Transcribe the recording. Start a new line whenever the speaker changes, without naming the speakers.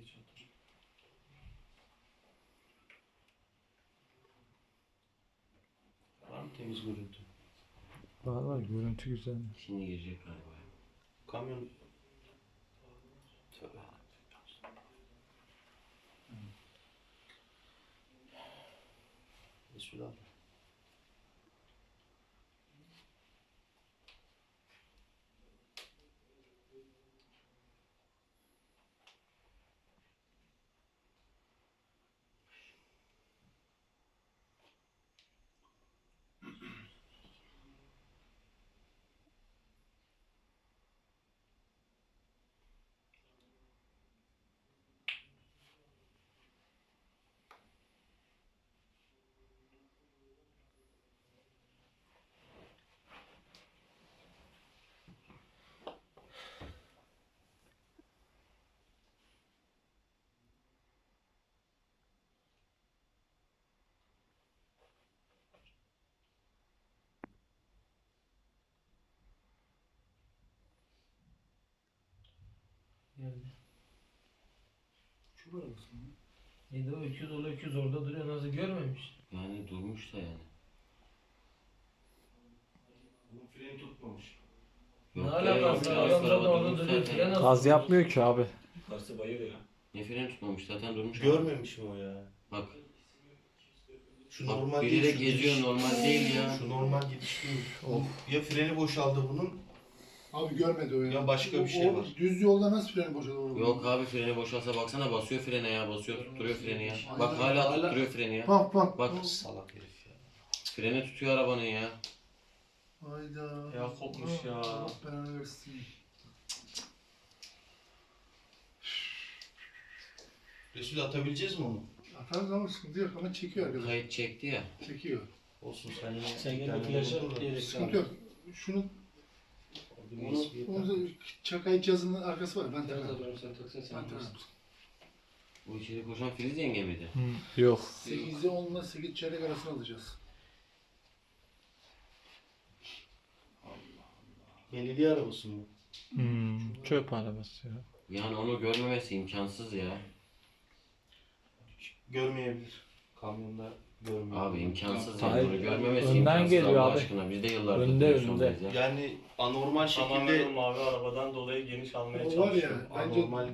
Var mı temiz görüntü?
Var var, görüntü güzel.
Şimdi girecek galiba.
Kamyon... Tövbe. Resul abi.
Geldi.
Şu arabası mı?
Yedi o 200 ola 200 orada duruyor. Nasıl görmemiş?
Yani durmuş da yani.
Bunun freni tutmamış.
Ne
Yok ya,
alakası
yok
var?
ya,
Adam
araba
zaten orada
durmuş
duruyor.
zaten.
Fren nasıl
Gaz
tutuyor?
yapmıyor ki abi.
Yukarısı bayır ya.
Ne freni tutmamış zaten durmuş.
Görmemiş mi o ya?
Bak.
Şu
Bak
normal
bilerek
değil, şu
geziyor,
gidiş.
normal değil ya.
Şu normal gidiş değil. Ya freni boşaldı bunun,
Abi görmedi o ya.
Ya başka bir şey var.
Düz yolda nasıl freni boşalır?
Yok abi, freni boşalsa baksana, basıyor frene ya, basıyor, tutturuyor freni ya.
Aynen.
Bak hala tutturuyor freni ya.
Bak bak.
Bak.
salak herif ya.
Freni tutuyor arabanın ya.
Hayda.
Ya kopmuş ya.
Allah belanı versin.
Resul atabileceğiz mi onu?
Atarız ama sıkıntı yok ama çekiyor arkadaş.
Kayıt çekti ya.
Çekiyor.
Olsun sen yine...
Sen
bir
gene
tane
flaşı
bulur da.
yedek
Sıkıntı yok. Şunu onu da çakay cihazının arkası var. Ben takarım.
Sen taksana sen.
Ben takarım.
Bu içeri koşan Filiz yenge miydi?
Yok.
8'de 10'la 8 çeyrek arasını alacağız.
Belediye arabası mı?
Çöp arabası ya.
Yani onu görmemesi imkansız ya.
Görmeyebilir. Kamyonda görmüyor.
Abi imkansız
Hayır.
yani, onu görmemesi
Önden
imkansız
geliyor
Allah
abi.
aşkına. Biz de yıllardır
Önde,
direksiyondayız ya.
Yani anormal
Tamamen o
şekilde
mavi arabadan dolayı geniş almaya
O var
çalışıyor.
ya bence
anormal